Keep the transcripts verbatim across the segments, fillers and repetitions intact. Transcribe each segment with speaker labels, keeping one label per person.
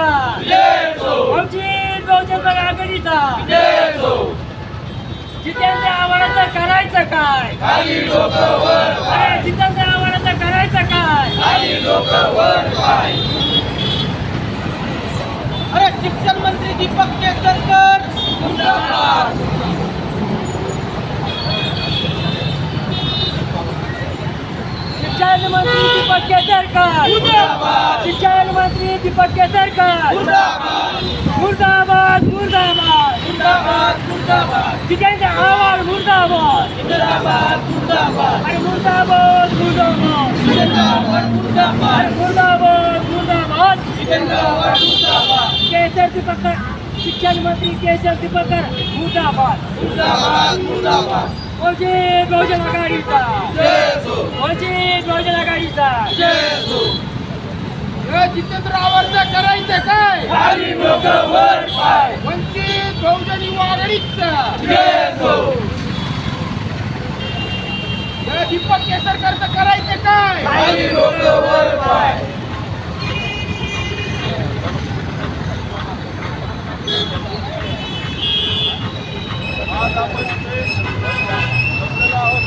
Speaker 1: आघाडीचा वंचित बहुजन आघाडीचा जितेंद्र आव्हाडाचं करायचं काय? अरे जितेंद्र आव्हाडाचं करायचं काय?
Speaker 2: अरे शिक्षण मंत्री दीपक केसरकर जिंदाबाद.
Speaker 1: शिक्षण मंत्री दीपक केसरकर
Speaker 2: जिंदाबाद.
Speaker 1: शिक्षण मंत्री दीपक केसरकर मुर्दाबाद मुर्दाबाद
Speaker 2: जिंदाबाद जिंदाबाद
Speaker 1: जितेंद्र आव्हाड मुर्दाबाद
Speaker 2: जिंदाबाद जिंदाबाद
Speaker 1: अरे मुर्दाबाद मुर्दाबाद
Speaker 2: जिंदाबाद जिंदाबाद
Speaker 1: अरे मुर्दाबाद मुर्दाबाद
Speaker 2: जिंदाबाद जिंदाबाद
Speaker 1: केसर दीपक शिक्षण मंत्री केसर दीपकर मुर्दाबाद
Speaker 2: जिंदाबाद जिंदाबाद
Speaker 1: वंचित बहुजन आघाडीचा
Speaker 2: जय हो
Speaker 1: वंचित बहुजन आघाडीचा
Speaker 2: जय हो. जितेंद्र आव्हाडचं करायचं काय? खाली डोकं वर पाय. वंचित बहुजन युवा आघाडीचा जय हो. दीपक केसरकरचं करायचं काय? खाली डोकं वर पाय. आज आपण इथे बसलेलो आहोत.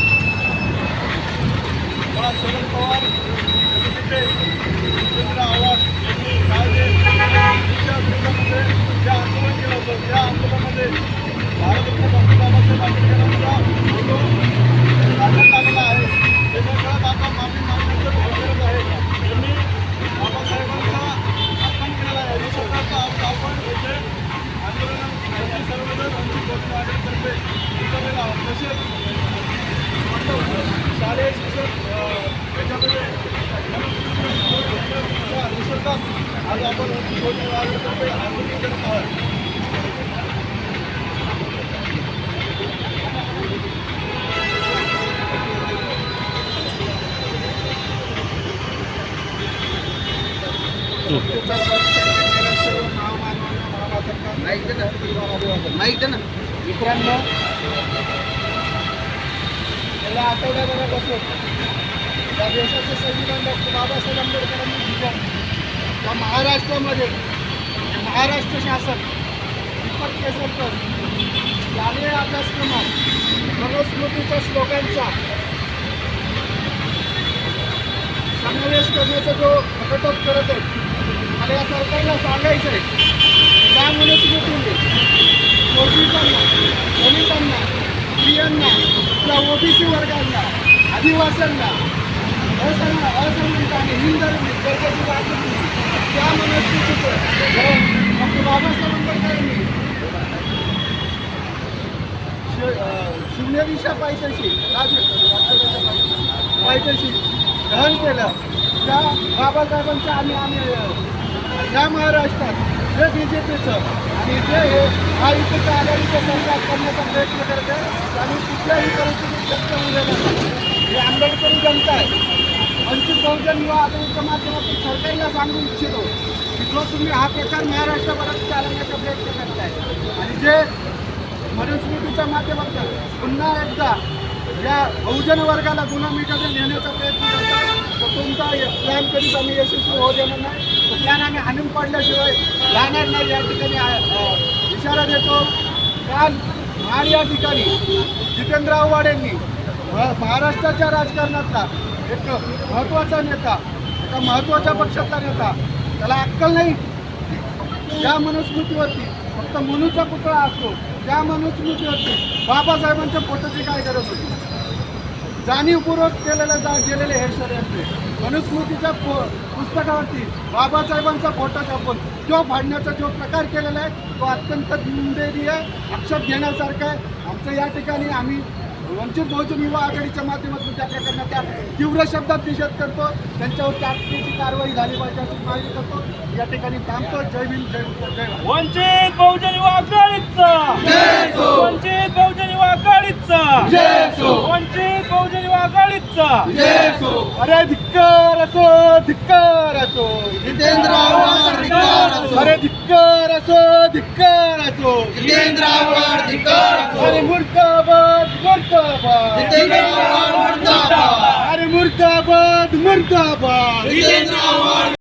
Speaker 2: मला शरद पवार यांचे जितेंद्र आव्हाड यांनी काल जे शिक्षण विरोधामध्ये जे आंदोलन केलं होतं त्या आंदोलनामध्ये भारतरत्न डॉक्टर बाबासाहेब आंबेडकरांचा फोटो काढण्यात आलेला आहे. त्याच्याकडे आता माफी मागण्याचं भाव करत आहे. त्यांनी बाबासाहेबांचा अपमान केलेला आहे. या शब्दाचा अर्थ आपण येथे आंदोलनामध्ये सर्वजण वंचित बहुजन आघाडीतर्फे उतरलेला आहोत. तसेच शालेय शिक्षण याच्यामध्ये निसर्गात आज आपण वंचित बहुजन आघाडीतर्फे आंदोलन करत आहोत. माहिती ना मित्रांनो, गेल्या आठवड्याभरापासून या देशाचे संविधान डॉक्टर बाबासाहेब आंबेडकरांनी दिलं त्या महाराष्ट्रामध्ये महाराष्ट्र शासन दीपक केसरकर शालेय अभ्यासक्रमात मनुस्मृतीच्या श्लोकांचा समावेश करण्याचा जो घटक करत आहे, मला या सरकारला सांगायचं आहे त्या मनुस्मृतीने शोषितांना, दलितांना, स्त्रियांना, त्या ओबीसी वर्गांना, आदिवासींना, असंघ असंघटित आणि हिंदरणी गरजेची वाटली त्या मनुस्मृतीचं डॉक्टर बाबासाहेब आंबेडकरांनी शून्य दिशा पायथ्याशी पायथ्याशी दहन केलं. त्या बाबासाहेबांच्या आम्ही आम्ही या महाराष्ट्रात जे बी जे पीचं आणि जे हे महायुतीचं आघाडीचं सरकार करण्याचा प्रयत्न करते आणि कुठल्याही परिस्थितीत शक्य होऊ देणार नाही. हे आंबेडकरी जनता आहे. वंचित बहुजन युवा आघाडीच्या माध्यमातून सरकारला सांगू इच्छितो की जो तुम्ही हा प्रकार महाराष्ट्राभरात चालवण्याचा प्रयत्न करताय आणि जे मनुस्मृतीच्या माध्यमातून पुन्हा एकदा या बहुजन वर्गाला गुलामीकडे नेण्याचा प्रयत्न करतात, तर तुमचा प्लॅन कधीच आम्ही यशस्वी होऊ देणार नाही. तो प्लॅन आम्ही हाणून पाडल्याशिवाय राहणार नाही. या ठिकाणी इशारा देतो. काल महाड या ठिकाणी जितेंद्र आव्हाड यांनी महाराष्ट्राच्या राजकारणातला एक महत्त्वाचा नेता, एका महत्त्वाच्या पक्षातला नेता, त्याला अक्कल नाही. ज्या मनुस्मृतीवरती फक्त मनुचा पुतळा असतो त्या मनुस्मृतीवरती बाबासाहेबांच्या फोटोची काय गरज होती? जाणीवपूर्वक केलेलं जा गेलेले हे षडयंत्र मनुस्मृतीच्या पो पुस्तकावरती बाबासाहेबांचा फोटो छापून तो फाडण्याचा जो प्रकार केलेला आहे तो अत्यंत निंदनीय, आक्षेप घेण्यासारखा आहे. आमचं या ठिकाणी आम्ही वंचित बहुजन युवा आघाडीच्या माध्यमातून त्या प्रकरणाचा तीव्र शब्दात निषेध करतो. त्यांच्यावर तातडीची कारवाई झाली पाहिजे अशी मागणी करतो. या ठिकाणी थांबतो. जय भीम, जय जय
Speaker 1: वंचित बहुजन युवा आघाडीचा वंचित बहुजन युवा आघाडीचा वंचित बहुजन युवा आघाडीचा.
Speaker 2: अरे धिक्कार असो, धिक्कार असो
Speaker 3: जितेंद्र आव्हाड धिक्कार असो.
Speaker 2: अरे धिक्कार असो, धिक्कार असो
Speaker 3: जितेंद्र आव्हाड धिक्कार असो.
Speaker 2: अरे मुर्दाबाद, मुर्दाबाद
Speaker 3: जितेंद्र आव्हाड मुर्दाबाद.
Speaker 2: अरे मुर्दाबाद, मुर्दाबाद
Speaker 3: जितेंद्र